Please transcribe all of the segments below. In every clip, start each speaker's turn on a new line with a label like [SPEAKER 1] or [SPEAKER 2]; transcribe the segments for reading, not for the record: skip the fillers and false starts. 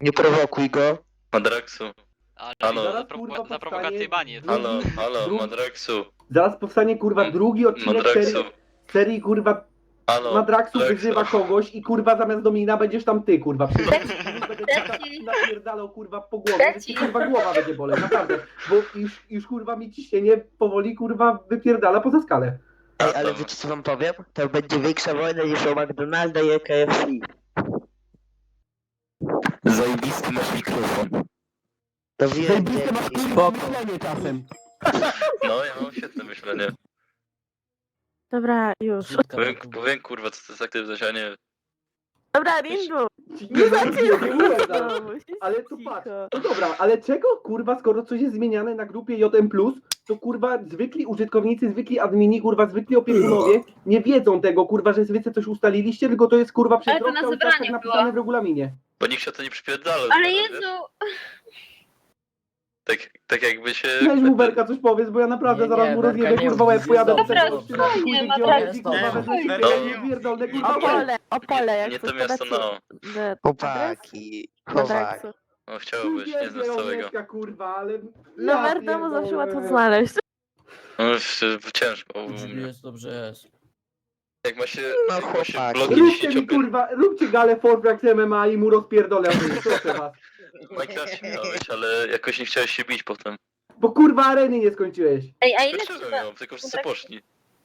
[SPEAKER 1] Nie prowokuj go.
[SPEAKER 2] Madraxu.
[SPEAKER 3] Ale
[SPEAKER 2] Halo.
[SPEAKER 3] za, za prowokację banie.
[SPEAKER 2] Halo,
[SPEAKER 4] drugi-
[SPEAKER 2] Madraxu.
[SPEAKER 4] Zaraz powstanie kurwa drugi odcinek
[SPEAKER 2] Madraxu.
[SPEAKER 4] serii kurwa
[SPEAKER 2] Halo,
[SPEAKER 4] Madraxu
[SPEAKER 2] Madraxu.
[SPEAKER 4] wyzywa kogoś i kurwa zamiast Domina będziesz tam ty kurwa. Będę napierdalał kurwa po głowie, że ci kurwa głowa będzie boleć, naprawdę. Bo już kurwa mi ciśnienie powoli kurwa wypierdala poza skalę.
[SPEAKER 1] Ej, ale wiecie co wam powiem? To będzie większa wojna niż o McDonalda i o KFC. Zajebisty masz mikrofon. To wiem,
[SPEAKER 4] myślenie czasem.
[SPEAKER 2] No, ja mam świetne myślenie.
[SPEAKER 5] Dobra, już.
[SPEAKER 2] Powiem kurwa, co to jest aktywność, a nie...
[SPEAKER 5] Dobra, Rindu!
[SPEAKER 4] Nie zaczynaj,
[SPEAKER 5] No,
[SPEAKER 4] ale tu patrz. No dobra, ale czego kurwa, skoro coś jest zmieniane na grupie JM+, to kurwa zwykli użytkownicy, zwykli admini, kurwa zwykli opiekunowie nie wiedzą tego kurwa, że wy coś ustaliliście, tylko to jest kurwa
[SPEAKER 6] Ale to na
[SPEAKER 4] przez
[SPEAKER 6] zebraniu
[SPEAKER 4] tak napisane
[SPEAKER 6] było.
[SPEAKER 4] w regulaminie.
[SPEAKER 2] Bo nikt się o to nie przypierdala.
[SPEAKER 6] Ale
[SPEAKER 2] wiesz?
[SPEAKER 6] Jezu,
[SPEAKER 2] Tak jakby się...
[SPEAKER 4] Weź mu Berka coś powiedz, bo ja naprawdę
[SPEAKER 7] Nie,
[SPEAKER 4] zaraz
[SPEAKER 7] nie,
[SPEAKER 4] mu
[SPEAKER 7] Berka
[SPEAKER 4] rozjebę
[SPEAKER 7] nie
[SPEAKER 4] kurwa
[SPEAKER 7] mów,
[SPEAKER 4] łeb, pojadę do
[SPEAKER 7] jest
[SPEAKER 4] tego
[SPEAKER 6] dobrze.
[SPEAKER 4] odcina,
[SPEAKER 6] Spokojnie,
[SPEAKER 4] pójdzie
[SPEAKER 6] Madrax,
[SPEAKER 4] gdzie kurwa wezmę
[SPEAKER 6] spokojnie.
[SPEAKER 4] się,
[SPEAKER 2] No.
[SPEAKER 4] ja nie pierdolę, kurwa.
[SPEAKER 5] Opole, jak
[SPEAKER 2] Nie
[SPEAKER 5] chcesz
[SPEAKER 2] to miasto,
[SPEAKER 5] podać
[SPEAKER 2] no.
[SPEAKER 1] Chłopaki,
[SPEAKER 5] Madraxu.
[SPEAKER 2] No chciałobyś, nie znam z całego.
[SPEAKER 4] Kurwa, ale...
[SPEAKER 5] Numer domu zawsze łatwo znaleźć.
[SPEAKER 2] No ciężko.
[SPEAKER 7] Jest, dobrze jest.
[SPEAKER 2] Jak ma się,
[SPEAKER 1] No,
[SPEAKER 2] jak ma się
[SPEAKER 1] chłopaki.
[SPEAKER 2] bloki
[SPEAKER 4] Róbcie mi
[SPEAKER 2] 10
[SPEAKER 4] kurwa, róbcie galę Forbrax MMA i mu rozpierdolę, proszę was.
[SPEAKER 2] W Minecrafcie miałeś, ale jakoś nie chciałeś się bić potem.
[SPEAKER 4] Bo kurwa areny nie skończyłeś.
[SPEAKER 6] ej, a ile
[SPEAKER 2] Dlaczego
[SPEAKER 6] trzeba...
[SPEAKER 2] miał? Tylko wszyscy poszli.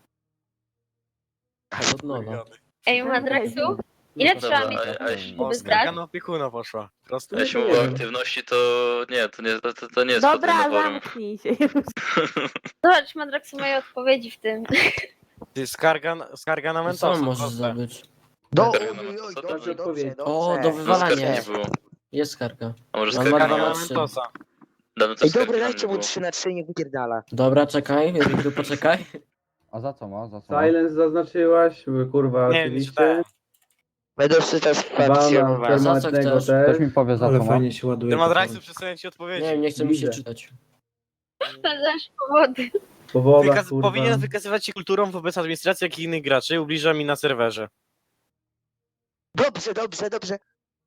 [SPEAKER 7] Od nowa.
[SPEAKER 6] Ej, Madraxu, ile
[SPEAKER 2] No
[SPEAKER 6] trzeba
[SPEAKER 2] dobra,
[SPEAKER 6] mieć
[SPEAKER 2] a jeśli-
[SPEAKER 6] żeby zgrać?
[SPEAKER 8] na opiekuna poszła. Prosto.
[SPEAKER 2] A jeśli
[SPEAKER 4] nie
[SPEAKER 2] mówię o
[SPEAKER 4] wiem.
[SPEAKER 2] aktywności, to nie, to nie jest
[SPEAKER 5] Dobra,
[SPEAKER 2] potem na forum.
[SPEAKER 5] zamknij się.
[SPEAKER 6] Zobacz, Madraxu, moje odpowiedzi w tym.
[SPEAKER 8] Ty skarga na
[SPEAKER 7] Co
[SPEAKER 8] Mentosa.
[SPEAKER 7] możesz
[SPEAKER 8] proste.
[SPEAKER 7] zdobyć?
[SPEAKER 2] Dobrze,
[SPEAKER 1] Dobrze, dobrze,
[SPEAKER 7] O, do
[SPEAKER 1] dobrze.
[SPEAKER 7] wywalania.
[SPEAKER 2] Skargi nie było.
[SPEAKER 7] Jest skarga.
[SPEAKER 2] A może
[SPEAKER 7] Mam
[SPEAKER 2] skargi
[SPEAKER 7] dwa
[SPEAKER 2] nie
[SPEAKER 7] na
[SPEAKER 2] było?
[SPEAKER 7] trzy.
[SPEAKER 8] Mentosa.
[SPEAKER 2] Dawno to
[SPEAKER 1] Ej,
[SPEAKER 2] skargi
[SPEAKER 1] dobra,
[SPEAKER 2] nam
[SPEAKER 1] dajcie
[SPEAKER 2] nie
[SPEAKER 1] mu
[SPEAKER 2] było.
[SPEAKER 1] 3/3, nie wypierdala.
[SPEAKER 7] Dobra, czekaj, Rindu, poczekaj.
[SPEAKER 9] A za co ma? Za co ma?
[SPEAKER 4] Silence zaznaczyłaś, kurwa,
[SPEAKER 8] Nie, nie
[SPEAKER 4] oczywiście.
[SPEAKER 8] czytałem.
[SPEAKER 1] Będę czytać
[SPEAKER 4] Bana
[SPEAKER 1] fakcjonować.
[SPEAKER 7] Za co
[SPEAKER 4] permanentnego
[SPEAKER 7] chcesz?
[SPEAKER 4] też.
[SPEAKER 9] Ktoś mi powie za
[SPEAKER 10] Ale
[SPEAKER 9] co ma?
[SPEAKER 10] fajnie się ładuje.
[SPEAKER 8] Ty
[SPEAKER 10] to
[SPEAKER 8] Madraxu przestaję ci odpowiedzieć.
[SPEAKER 7] Nie, nie chce mi się
[SPEAKER 4] Widzę.
[SPEAKER 7] czytać.
[SPEAKER 6] Spędzasz powody.
[SPEAKER 4] Powoda, kurwa.
[SPEAKER 8] Powinien wykazywać się kulturą wobec administracji, jak i innych graczy, ubliża mi na serwerze.
[SPEAKER 1] Dobrze, dobrze, dobrze.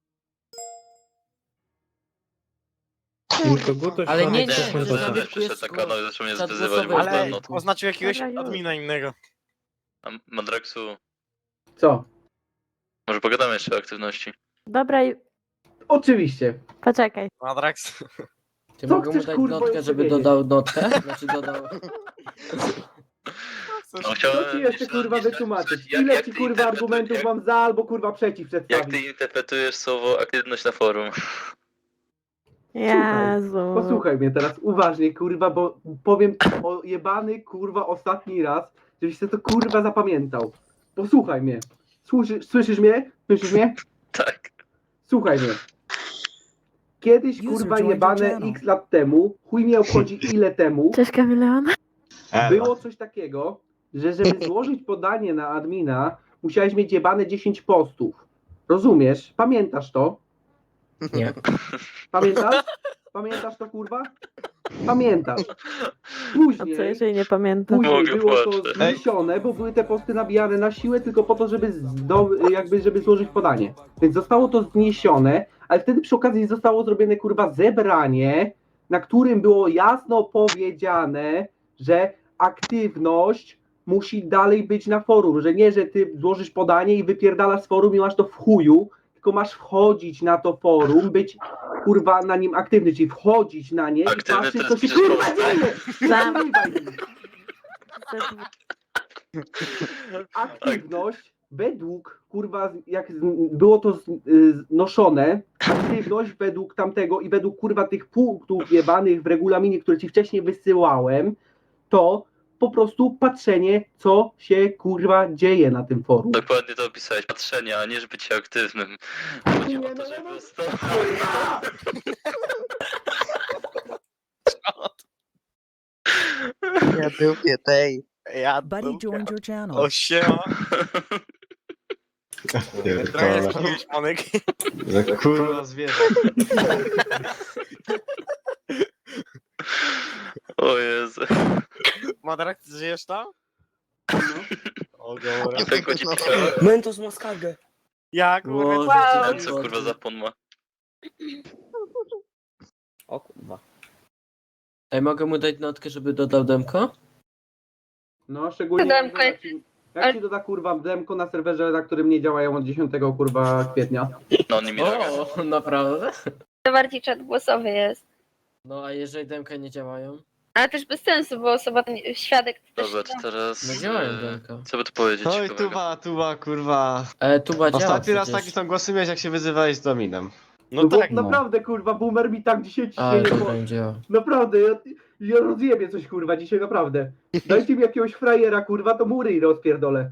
[SPEAKER 10] Koguto
[SPEAKER 7] Ale nie,
[SPEAKER 2] Nie,
[SPEAKER 7] nie,
[SPEAKER 2] że
[SPEAKER 7] że
[SPEAKER 2] sobie
[SPEAKER 7] jest
[SPEAKER 2] przyszedł tak rano i zaczął mnie
[SPEAKER 7] czat
[SPEAKER 2] zwyzywać,
[SPEAKER 7] głosowy.
[SPEAKER 2] bo
[SPEAKER 8] Ale
[SPEAKER 2] no,
[SPEAKER 8] oznaczył jakiegoś
[SPEAKER 5] Dobra, już.
[SPEAKER 8] admina innego.
[SPEAKER 2] a Madraxu,
[SPEAKER 4] Co?
[SPEAKER 2] może pogadamy jeszcze o aktywności.
[SPEAKER 5] Dobra,
[SPEAKER 4] Oczywiście.
[SPEAKER 5] poczekaj.
[SPEAKER 8] Madrax.
[SPEAKER 7] Ty
[SPEAKER 4] Co
[SPEAKER 7] mogę mu
[SPEAKER 4] chcesz,
[SPEAKER 7] dać
[SPEAKER 4] kurwa,
[SPEAKER 7] notkę,
[SPEAKER 4] jeszcze
[SPEAKER 7] żeby
[SPEAKER 4] wiedzieć?
[SPEAKER 7] dodał notkę? Znaczy dodał...
[SPEAKER 2] No,
[SPEAKER 4] Co
[SPEAKER 2] chciałem
[SPEAKER 4] ci jeszcze kurwa
[SPEAKER 2] jeszcze-
[SPEAKER 4] wytłumaczyć?
[SPEAKER 2] jak-
[SPEAKER 4] Ile
[SPEAKER 2] jak
[SPEAKER 4] ci
[SPEAKER 2] ty
[SPEAKER 4] kurwa
[SPEAKER 2] interpretujesz-
[SPEAKER 4] argumentów mam za albo kurwa przeciw
[SPEAKER 2] Jak
[SPEAKER 4] przedstawić?
[SPEAKER 2] ty interpretujesz słowo aktywność na forum?
[SPEAKER 5] Jezu.
[SPEAKER 4] Posłuchaj mnie teraz uważnie, kurwa, bo powiem o jebany, kurwa, ostatni raz, żebyś sobie to kurwa zapamiętał. Posłuchaj mnie. Słyszysz mnie? Słyszysz mnie?
[SPEAKER 2] Tak.
[SPEAKER 4] Słuchaj mnie. Kiedyś, kurwa, jebane x lat temu, chuj mnie obchodzi ile temu,
[SPEAKER 5] Cześć, Kameleon.
[SPEAKER 4] było coś takiego, że żeby złożyć podanie na admina, musiałeś mieć jebane 10 postów. Rozumiesz? Pamiętasz to?
[SPEAKER 7] Nie.
[SPEAKER 4] Pamiętasz? Pamiętasz to, kurwa? Pamiętasz.
[SPEAKER 5] A
[SPEAKER 4] Później,
[SPEAKER 5] co jeżeli nie pamiętam?
[SPEAKER 4] później
[SPEAKER 2] Mogę
[SPEAKER 4] było to
[SPEAKER 2] płaczeć.
[SPEAKER 4] zniesione, bo były te posty nabijane na siłę tylko po to, żeby złożyć podanie. Więc zostało to zniesione, ale wtedy przy okazji zostało zrobione, kurwa, zebranie, na którym było jasno powiedziane, że aktywność musi dalej być na forum, że nie, że ty złożysz podanie i wypierdalasz z forum i masz to w chuju, tylko masz wchodzić na to forum, być kurwa na nim aktywny, czyli wchodzić na nie
[SPEAKER 2] Aktywny
[SPEAKER 4] i patrzeć,
[SPEAKER 2] to
[SPEAKER 4] co
[SPEAKER 2] jest
[SPEAKER 4] się kurwa
[SPEAKER 2] piszesz
[SPEAKER 4] dzieje!
[SPEAKER 5] Sam.
[SPEAKER 4] Przerywaj mi. Aktywność według, kurwa, jak było to znoszone, aktywność według tamtego i według, kurwa, tych punktów jebanych w regulaminie, które ci wcześniej wysyłałem, to po prostu patrzenie, co się, kurwa, dzieje na tym forum.
[SPEAKER 2] Dokładnie to opisałeś. Patrzenie, a nie żeby być aktywnym. Chodzi o to, żeby
[SPEAKER 1] Ja lubię tej.
[SPEAKER 8] Ja
[SPEAKER 10] Buddy joined your channel.
[SPEAKER 8] O siema. Trochę jest jakiegoś monek.
[SPEAKER 10] Kurwa zwierzę.
[SPEAKER 2] O Jezu.
[SPEAKER 8] Madrax, żyjesz tam? O dobra.
[SPEAKER 2] Nie pękło ci piszała?
[SPEAKER 7] Mentos ma skargę.
[SPEAKER 8] Ja kurwa.
[SPEAKER 7] Boże,
[SPEAKER 2] A
[SPEAKER 7] ty
[SPEAKER 2] co kurwa za pon ma?
[SPEAKER 7] O kurwa. Ej, mogę mu dać notkę, żeby dodał demko?
[SPEAKER 4] No, szczególnie
[SPEAKER 6] Demko,
[SPEAKER 4] jak ci doda kurwa demko na serwerze, na którym nie działają od 10 kurwa kwietnia.
[SPEAKER 2] No nie mi
[SPEAKER 7] O, naprawdę?
[SPEAKER 6] To bardziej czat głosowy jest.
[SPEAKER 7] No a jeżeli demka nie działają?
[SPEAKER 6] Ale też bez sensu, bo osoba, świadek to
[SPEAKER 2] Dobra,
[SPEAKER 6] też...
[SPEAKER 2] to teraz...
[SPEAKER 7] No działają demka.
[SPEAKER 2] Co by tu powiedzieć?
[SPEAKER 10] Oj,
[SPEAKER 2] ciekawego?
[SPEAKER 10] tuba, kurwa.
[SPEAKER 7] Tuba działa
[SPEAKER 10] Ostatni raz
[SPEAKER 7] przecież.
[SPEAKER 10] taki sam głosy miałeś, jak się wyzywałeś z Dominem.
[SPEAKER 8] No
[SPEAKER 4] bo
[SPEAKER 8] tak,
[SPEAKER 4] naprawdę kurwa, boomer mi tak dzisiaj
[SPEAKER 7] A,
[SPEAKER 4] ciśnienie
[SPEAKER 7] dobra, nie działa.
[SPEAKER 4] Naprawdę, ja rozjebie coś kurwa dzisiaj, naprawdę. Dajcie mi jakiegoś frajera kurwa, to mu ryj rozpierdolę.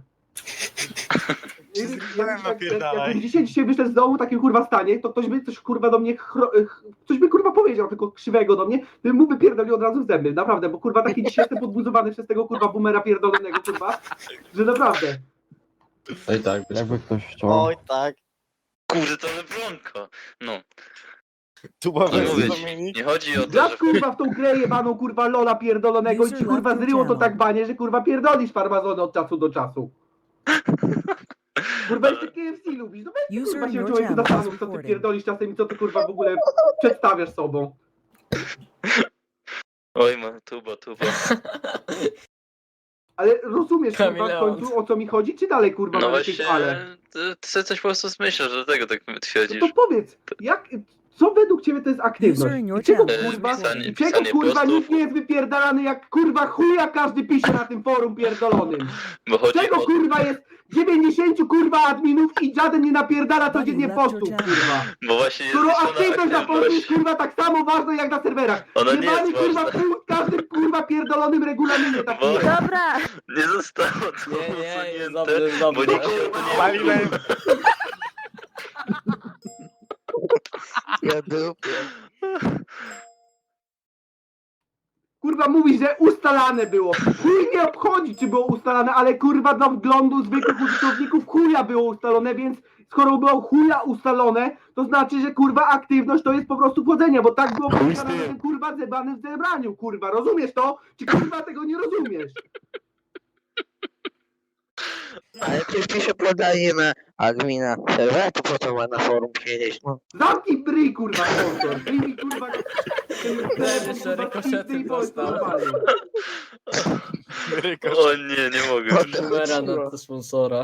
[SPEAKER 4] Jakbym dzisiaj wyszedł z domu w takim kurwa stanie, to ktoś by coś kurwa do mnie, coś by kurwa powiedział, tylko krzywego do mnie, bym mu wypierdolił od razu w zęby, naprawdę, bo kurwa taki dzisiaj jestem podbuzowany przez tego kurwa boomera pierdolonego kurwa, że naprawdę.
[SPEAKER 10] No i tak,
[SPEAKER 9] Jakby ktoś chciał.
[SPEAKER 8] Oj tak.
[SPEAKER 2] Kurde, to Lebronko. No,
[SPEAKER 8] Tuba
[SPEAKER 2] co
[SPEAKER 8] versus
[SPEAKER 2] mówić?
[SPEAKER 8] Dominik.
[SPEAKER 2] Nie chodzi o to,
[SPEAKER 4] Grasz
[SPEAKER 2] że...
[SPEAKER 4] kurwa w tą grę jebaną kurwa lola pierdolonego i ci kurwa zryło to tak banie, że kurwa pierdolisz farmazony od czasu do czasu. Kurwa jeszcze KFC lubisz, no weź
[SPEAKER 10] User
[SPEAKER 4] kurwa
[SPEAKER 10] in
[SPEAKER 4] się
[SPEAKER 10] your
[SPEAKER 4] człowieku
[SPEAKER 10] channel
[SPEAKER 4] zastanów,
[SPEAKER 10] is
[SPEAKER 4] co ty
[SPEAKER 10] recording.
[SPEAKER 4] pierdolisz czasem i co ty kurwa w ogóle przedstawiasz sobą.
[SPEAKER 2] Oj, ma, tuba.
[SPEAKER 4] Ale rozumiesz kurwa w
[SPEAKER 7] Kameleon.
[SPEAKER 4] końcu o co mi chodzi, czy dalej kurwa
[SPEAKER 2] No
[SPEAKER 4] masz jakieś
[SPEAKER 2] właśnie,
[SPEAKER 4] ale?
[SPEAKER 2] ty sobie coś po prostu zmyślasz, dlatego tak
[SPEAKER 4] No
[SPEAKER 2] twierdzisz.
[SPEAKER 4] to powiedz, co według ciebie to jest aktywność?
[SPEAKER 10] User in your
[SPEAKER 4] I czego
[SPEAKER 10] channel.
[SPEAKER 4] kurwa,
[SPEAKER 2] Pisanie-
[SPEAKER 4] i czego
[SPEAKER 2] pisanie
[SPEAKER 4] kurwa
[SPEAKER 2] postów.
[SPEAKER 4] nikt nie jest wypierdalany jak kurwa chuja każdy pisze na tym forum pierdolonym?
[SPEAKER 2] Bo chodzi
[SPEAKER 4] Czego
[SPEAKER 2] o...
[SPEAKER 4] kurwa jest 90 kurwa adminów i żaden nie napierdala codziennie postów kurwa?
[SPEAKER 2] Bo właśnie jest
[SPEAKER 4] Skoro
[SPEAKER 2] zniesiona
[SPEAKER 4] aktywność na forum jest
[SPEAKER 2] aktywność.
[SPEAKER 4] kurwa tak samo ważna jak na serwerach.
[SPEAKER 2] Ona nie
[SPEAKER 4] Jebany,
[SPEAKER 2] jest
[SPEAKER 4] kurwa
[SPEAKER 2] ważna.
[SPEAKER 4] w każdym kurwa pierdolonym regulaminie tak
[SPEAKER 2] Bo-
[SPEAKER 4] jest.
[SPEAKER 5] Dobra,
[SPEAKER 2] Nie zostało to
[SPEAKER 7] Nie, jest
[SPEAKER 2] usunięte,
[SPEAKER 7] dobrze, jest
[SPEAKER 2] bo
[SPEAKER 7] dobrze.
[SPEAKER 2] nikt się o to nie...
[SPEAKER 8] Paliłem.
[SPEAKER 1] Ja dupie.
[SPEAKER 4] Kurwa mówi, że ustalane było. Chuj nie obchodzi, czy było ustalane, ale kurwa dla wglądu zwykłych użytkowników chuja było ustalone, więc skoro było chuja ustalone, to znaczy, że kurwa aktywność to jest po prostu wchodzenie, bo tak było ustalone na tym kurwa zebranym zebraniu, kurwa. Rozumiesz to? Czy kurwa tego nie rozumiesz?
[SPEAKER 1] Ale ktoś pisze podanie na admina serwera, to po co ma na forum siedzieć, no.
[SPEAKER 4] Zamknij bryj, kurwa, sponsor. Wyjmij, kurwa,
[SPEAKER 7] Jeszcze rykoszety dostał.
[SPEAKER 2] O nie, nie mogę.
[SPEAKER 7] Numera na sponsora.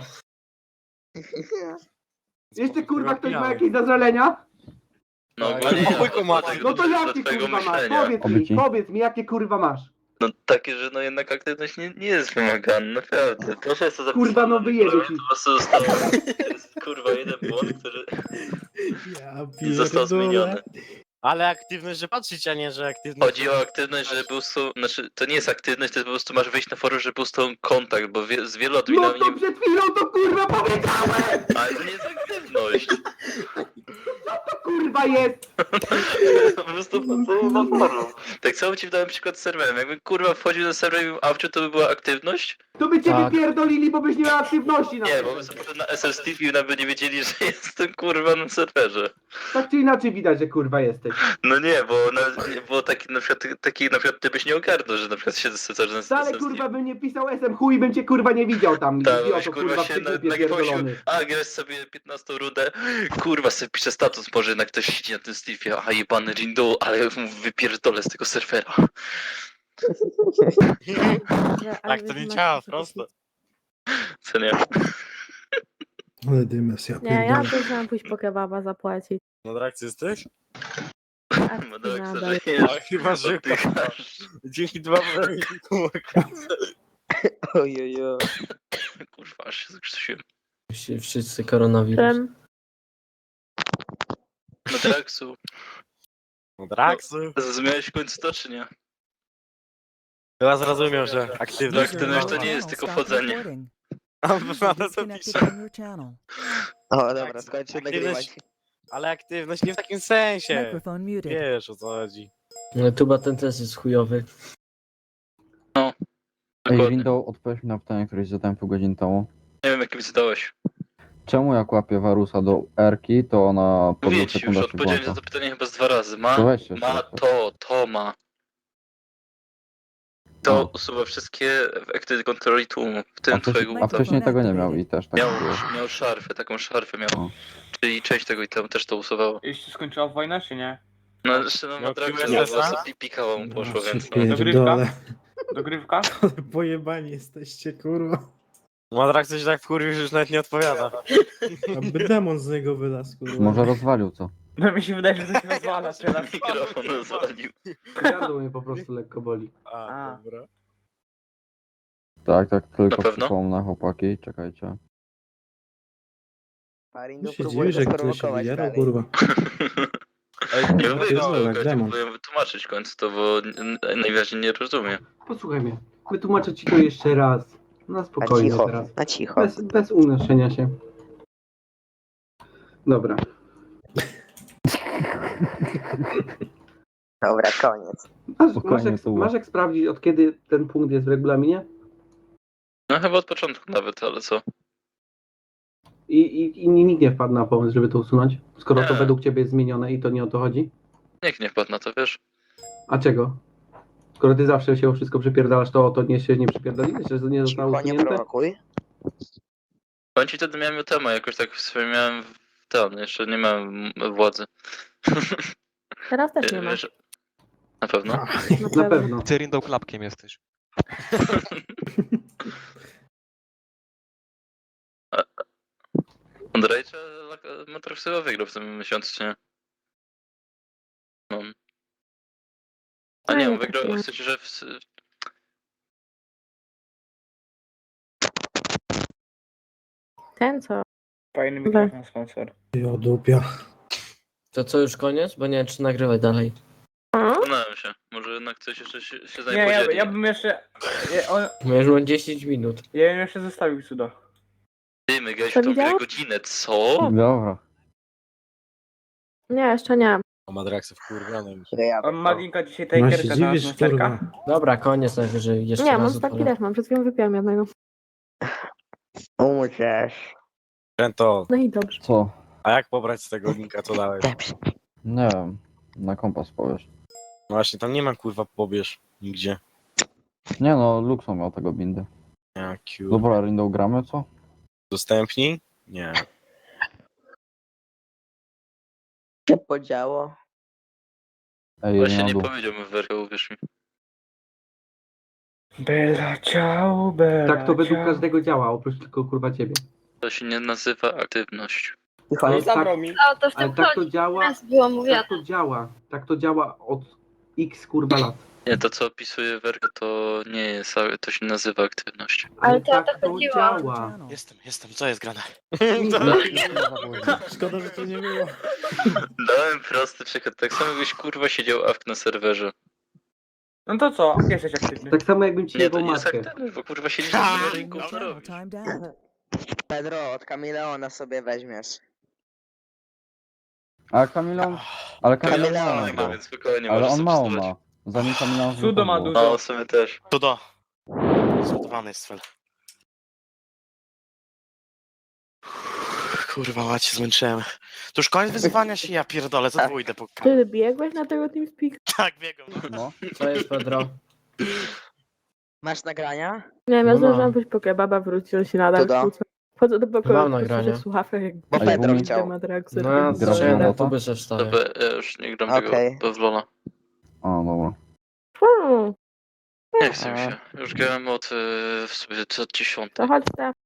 [SPEAKER 4] Jeszcze, kurwa, ktoś ma jakieś zażalenia?
[SPEAKER 2] No,
[SPEAKER 7] Tak.
[SPEAKER 2] ogólnie ja,
[SPEAKER 8] Obojgu ma.
[SPEAKER 2] dlatego
[SPEAKER 4] No to
[SPEAKER 2] do
[SPEAKER 4] jakie,
[SPEAKER 2] twojego
[SPEAKER 4] kurwa, masz?
[SPEAKER 2] myślenia.
[SPEAKER 4] Powiedz mi, jakie, kurwa, masz?
[SPEAKER 2] No takie, że no jednak aktywność nie jest wymagana, naprawdę. Proszę jest to zapisane.
[SPEAKER 4] Kurwa, no wyjebie ci.
[SPEAKER 2] Po prostu zostało, to jest kurwa jeden błąd, który został zmieniony.
[SPEAKER 8] Ale aktywność, że patrzeć, a nie, że aktywność...
[SPEAKER 2] Chodzi o aktywność, że był znaczy to nie jest aktywność, to jest po prostu masz wyjść na forum, żeby był z tą kontakt, bo z wielu
[SPEAKER 4] No
[SPEAKER 2] adminami
[SPEAKER 4] to
[SPEAKER 2] nie...
[SPEAKER 4] przed chwilą to, kurwa, powiedziałem!
[SPEAKER 2] Ale to nie jest aktywność.
[SPEAKER 4] To, kurwa, jest!
[SPEAKER 2] Po prostu wchodzenie na forum. Tak samo ci dałem przykład z serwerem. Jakby kurwa wchodził na serwer i mówił Awciu, to by była aktywność?
[SPEAKER 4] To by cię
[SPEAKER 9] Tak.
[SPEAKER 4] wypierdolili, bo byś nie miał aktywności na
[SPEAKER 2] Nie, bo my sobie poszedł na SL Steve i nawet nie wiedzieli, że jestem kurwa na serwerze.
[SPEAKER 4] Tak czy inaczej widać, że kurwa jesteś.
[SPEAKER 2] No nie, bo nawet nie było taki na przykład ty byś nie ogarnął, że na przykład siedzę sobie na
[SPEAKER 4] Wcale,
[SPEAKER 2] SL
[SPEAKER 4] kurwa,
[SPEAKER 2] Steve.
[SPEAKER 4] bym nie pisał SM chuj, bym cię, kurwa, nie widział tam.
[SPEAKER 2] Tak,
[SPEAKER 4] Idioto,
[SPEAKER 2] weź kurwa się
[SPEAKER 4] w
[SPEAKER 2] na
[SPEAKER 4] typie
[SPEAKER 2] gwoździu,
[SPEAKER 4] pierdolony.
[SPEAKER 2] a grasz sobie 15 rundę, kurwa sobie pisze status, może jednak ktoś siedzi na tym Steve'ie, a jebany Rindu, ale mu wypierdolę z tego serwera.
[SPEAKER 8] Tak to nie działa, prosto.
[SPEAKER 2] Co nie?
[SPEAKER 11] Ale dymes, ja
[SPEAKER 5] nie, ja
[SPEAKER 11] pierdolę.
[SPEAKER 5] też chciałam pójść po kebaba zapłacić.
[SPEAKER 8] Na trakcji jesteś?
[SPEAKER 2] Bo tak
[SPEAKER 5] nadal.
[SPEAKER 2] sobie
[SPEAKER 8] A chyba, że
[SPEAKER 2] oddychasz.
[SPEAKER 8] dzięki dwa
[SPEAKER 1] Ojojo.
[SPEAKER 2] Kurwa, aż się zakrztusiłem.
[SPEAKER 7] Wszyscy koronawirus.
[SPEAKER 5] Czym?
[SPEAKER 2] No Draxu,
[SPEAKER 8] Draksu.
[SPEAKER 2] zrozumiałeś w końcu to, czy nie?
[SPEAKER 8] Chyba zrozumiał, że aktywność...
[SPEAKER 2] Aktywność to nie jest tylko wchodzenie.
[SPEAKER 8] A na to pisze.
[SPEAKER 1] O, dobra, skończę
[SPEAKER 8] Aktywność-
[SPEAKER 1] nagrywać.
[SPEAKER 8] Ale aktywność nie w takim sensie.
[SPEAKER 10] Microphone muted.
[SPEAKER 8] Wiesz, o co chodzi.
[SPEAKER 7] No tuba ten test jest chujowy.
[SPEAKER 9] Ej,
[SPEAKER 2] Dokładnie.
[SPEAKER 9] Window, odpowiedz mi na pytanie, które zadałem pół godziny temu.
[SPEAKER 2] Nie wiem, jakim zadałeś.
[SPEAKER 9] Czemu jak łapię Warusa do R-ki, to ona po
[SPEAKER 2] Mówię
[SPEAKER 9] 2
[SPEAKER 2] ci już,
[SPEAKER 9] sekundach się
[SPEAKER 2] odpowiedziałem
[SPEAKER 9] włącza?
[SPEAKER 2] na to pytanie chyba z 2 razy. Ma,
[SPEAKER 9] To weź jeszcze
[SPEAKER 2] ma
[SPEAKER 9] raz.
[SPEAKER 2] to ma. To usuwa wszystkie efekty kontroli tłumu, w tym twojego
[SPEAKER 9] A wcześniej tego nie miał i też tak było.
[SPEAKER 2] Miał szarfę, taką szarfę miał.
[SPEAKER 9] O.
[SPEAKER 2] czyli część tego i tam też to usuwało.
[SPEAKER 3] Już się skończyła wojna, czy nie?
[SPEAKER 2] No jeszcze no
[SPEAKER 8] Miał
[SPEAKER 2] Madraxa
[SPEAKER 8] QSS-a?
[SPEAKER 2] pikała mu poszło, więc no.
[SPEAKER 11] Pierdolę.
[SPEAKER 3] Dogrywka?
[SPEAKER 11] Ale pojebani jesteście, kurwa.
[SPEAKER 8] Madrak coś tak wkurwił, że już nawet nie odpowiada.
[SPEAKER 11] Aby demon z niego wylazł, kurwa.
[SPEAKER 9] Może rozwalił co?
[SPEAKER 3] No mi się wydaje, że to się rozwala teraz.
[SPEAKER 2] Mikrofon rozwalił.
[SPEAKER 4] Gardło mnie po prostu lekko boli.
[SPEAKER 3] A.
[SPEAKER 8] Dobra.
[SPEAKER 9] Tak, tylko
[SPEAKER 2] Na pewno?
[SPEAKER 9] przypomnę, chłopaki, czekajcie.
[SPEAKER 11] Tu się dziwi, że ktoś się wyjarał, kurwa.
[SPEAKER 2] Nie
[SPEAKER 11] no,
[SPEAKER 2] mówię,
[SPEAKER 11] pierdolę, demon.
[SPEAKER 2] próbuję wytłumaczyć w końcu to, bo najwyraźniej nie rozumiem.
[SPEAKER 4] Posłuchaj mnie. Wytłumaczę ci to jeszcze raz. Na spokojnie teraz.
[SPEAKER 1] na cicho.
[SPEAKER 4] Bez unoszenia się. Dobra.
[SPEAKER 1] Dobra, koniec.
[SPEAKER 9] Spokojnie, Tuba.
[SPEAKER 4] Masz jak sprawdzić, od kiedy ten punkt jest w regulaminie?
[SPEAKER 2] No chyba od początku nawet, ale co?
[SPEAKER 4] I nikt nie wpadł na pomysł, żeby to usunąć? Skoro to
[SPEAKER 2] Nie.
[SPEAKER 4] według ciebie jest zmienione i to nie o to chodzi?
[SPEAKER 2] Nikt nie wpadł na to, wiesz?
[SPEAKER 4] A czego? Skoro ty zawsze się o wszystko przypierdalasz, to o to nie się nie przypierdoliłeś, że nie zostało
[SPEAKER 1] Cicho, nie
[SPEAKER 4] usunięte?
[SPEAKER 1] prowokuj.
[SPEAKER 2] Powiem ci, wtedy miałem temat, jakoś tak w sumie miałem ten, jeszcze nie miałem władzy.
[SPEAKER 5] Teraz też nie ma.
[SPEAKER 2] Wiesz, na pewno.
[SPEAKER 4] Na pewno.
[SPEAKER 10] Ty Rindą klapkiem jesteś.
[SPEAKER 2] Andrzejcze Matrox chyba wygrał w tym miesiącu, czy nie? No. A nie, on wygrał, w sensie, że
[SPEAKER 5] Ten co?
[SPEAKER 3] Fajny
[SPEAKER 5] mikrofon,
[SPEAKER 3] sponsor.
[SPEAKER 11] Jo, dupia.
[SPEAKER 7] To co, już koniec? Bo nie wiem, czy nagrywać dalej.
[SPEAKER 2] zastanawiam się. Może jednak coś jeszcze się z nami
[SPEAKER 3] Nie,
[SPEAKER 2] podzieli.
[SPEAKER 3] ja bym jeszcze...
[SPEAKER 7] Bo już mam 10 minut.
[SPEAKER 3] Ja bym jeszcze zostawił cudo.
[SPEAKER 2] Ty, my grałeś
[SPEAKER 5] To
[SPEAKER 2] w tą grę
[SPEAKER 5] widziałeś?
[SPEAKER 2] godzinę, co?
[SPEAKER 9] Dobra.
[SPEAKER 5] Nie, jeszcze nie.
[SPEAKER 8] O Madraksy wkurwiony już.
[SPEAKER 1] Ja
[SPEAKER 3] On ma linka dzisiaj
[SPEAKER 11] No się
[SPEAKER 3] takerka
[SPEAKER 11] dziwisz,
[SPEAKER 3] na sterka.
[SPEAKER 11] kurwa.
[SPEAKER 7] Dobra, koniec najwyżej. Jeszcze
[SPEAKER 5] Nie,
[SPEAKER 7] raz
[SPEAKER 5] mam taki
[SPEAKER 7] odpalę.
[SPEAKER 5] też mam. Przed chwilą wypiłam jednego.
[SPEAKER 1] umrzesz.
[SPEAKER 8] Rento,
[SPEAKER 5] No i dobrze.
[SPEAKER 9] Co?
[SPEAKER 8] a jak pobrać z tego linka, co dałeś?
[SPEAKER 1] Dobrze.
[SPEAKER 9] Nie wiem. Na kompas powiesz.
[SPEAKER 8] No właśnie, tam nie ma kurwa pobierz nigdzie.
[SPEAKER 9] Nie no, Luxo miał tego bindy.
[SPEAKER 8] Jakiu.
[SPEAKER 9] Dobra, Rindą gramy, co?
[SPEAKER 8] Udostępnij? Nie.
[SPEAKER 1] się podziało.
[SPEAKER 9] Ej,
[SPEAKER 2] Właśnie
[SPEAKER 9] nie
[SPEAKER 2] nie
[SPEAKER 9] na dół.
[SPEAKER 2] powiedział mi werkę, uwierz mi.
[SPEAKER 3] Bella ciao, bella
[SPEAKER 4] Tak to według
[SPEAKER 3] ciao.
[SPEAKER 4] każdego działa, oprócz tylko kurwa ciebie.
[SPEAKER 2] To się nie nazywa aktywność.
[SPEAKER 1] Cicho,
[SPEAKER 4] Ale
[SPEAKER 1] nie
[SPEAKER 4] tak,
[SPEAKER 3] mi.
[SPEAKER 6] O, to w
[SPEAKER 4] ale
[SPEAKER 6] tym
[SPEAKER 4] tak to
[SPEAKER 6] chodzi.
[SPEAKER 4] działa,
[SPEAKER 6] Raz było mówione.
[SPEAKER 4] tak to działa od x kurwa lat.
[SPEAKER 2] Nie, to co opisuje werkę, to nie jest, to się nazywa aktywność.
[SPEAKER 6] Ale to o
[SPEAKER 4] tak
[SPEAKER 6] to
[SPEAKER 4] to
[SPEAKER 6] chodziło.
[SPEAKER 4] działa.
[SPEAKER 8] Jestem, co jest grane?
[SPEAKER 11] Szkoda, że to nie było.
[SPEAKER 2] Dałem prosty przykład, tak samo jakbyś kurwa siedział awk na serwerze.
[SPEAKER 3] No to co? Jesteś aktywny.
[SPEAKER 4] Tak samo jakbym ci
[SPEAKER 2] Nie,
[SPEAKER 4] jebał
[SPEAKER 2] to nie jest
[SPEAKER 4] matkę.
[SPEAKER 2] aktywność, bo kurwa siedzisz na serwerze i gówno robisz.
[SPEAKER 1] Pedro, od Kameleona sobie weźmiesz.
[SPEAKER 9] A Kamilon... Ale Kamilon
[SPEAKER 1] Kamilon
[SPEAKER 9] ma
[SPEAKER 1] ma,
[SPEAKER 9] go.
[SPEAKER 2] Więc spokojnie,
[SPEAKER 9] Ale
[SPEAKER 2] możesz
[SPEAKER 9] on
[SPEAKER 2] sobie
[SPEAKER 9] mało
[SPEAKER 2] stosować.
[SPEAKER 9] ma. Zanim Kamilon
[SPEAKER 3] Sudo ma
[SPEAKER 9] było.
[SPEAKER 3] dużo.
[SPEAKER 2] No, w sumie też.
[SPEAKER 8] Tudo. Zgotowany jest cel. Kurwa, macie, zmęczyłem. To już koniec wyzywania się, ja pierdolę, za dwójdę po...
[SPEAKER 5] Ty biegłeś na tego TeamSpeak?
[SPEAKER 8] Tak, biegam.
[SPEAKER 9] No.
[SPEAKER 7] Co jest, Pedro?
[SPEAKER 1] Masz nagrania?
[SPEAKER 5] Nie wiem, ja
[SPEAKER 7] No
[SPEAKER 5] zdążyłam
[SPEAKER 7] mam.
[SPEAKER 5] pójść po kebaba, wrócił się nadal.
[SPEAKER 1] Cudo.
[SPEAKER 5] wrócę. Wchodzę do pokoju,
[SPEAKER 7] Mam
[SPEAKER 5] po prostu
[SPEAKER 7] nagrania.
[SPEAKER 5] w słuchawkach, jak
[SPEAKER 1] Bo
[SPEAKER 9] Ej,
[SPEAKER 1] Pedro
[SPEAKER 9] Bumi.
[SPEAKER 1] chciał.
[SPEAKER 5] Madraxy.
[SPEAKER 7] No,
[SPEAKER 5] robię.
[SPEAKER 9] Grasz
[SPEAKER 7] zacząłem
[SPEAKER 9] na
[SPEAKER 7] na
[SPEAKER 9] to?
[SPEAKER 7] tubę se wstawię.
[SPEAKER 2] Dobra, ja już nie gram
[SPEAKER 1] Okej.
[SPEAKER 2] tego w LoL'a.
[SPEAKER 9] A, dobra.
[SPEAKER 5] Hmm,
[SPEAKER 2] Nie chcę mi się. Już grałem od w sobie od 10.
[SPEAKER 5] to chodź tam.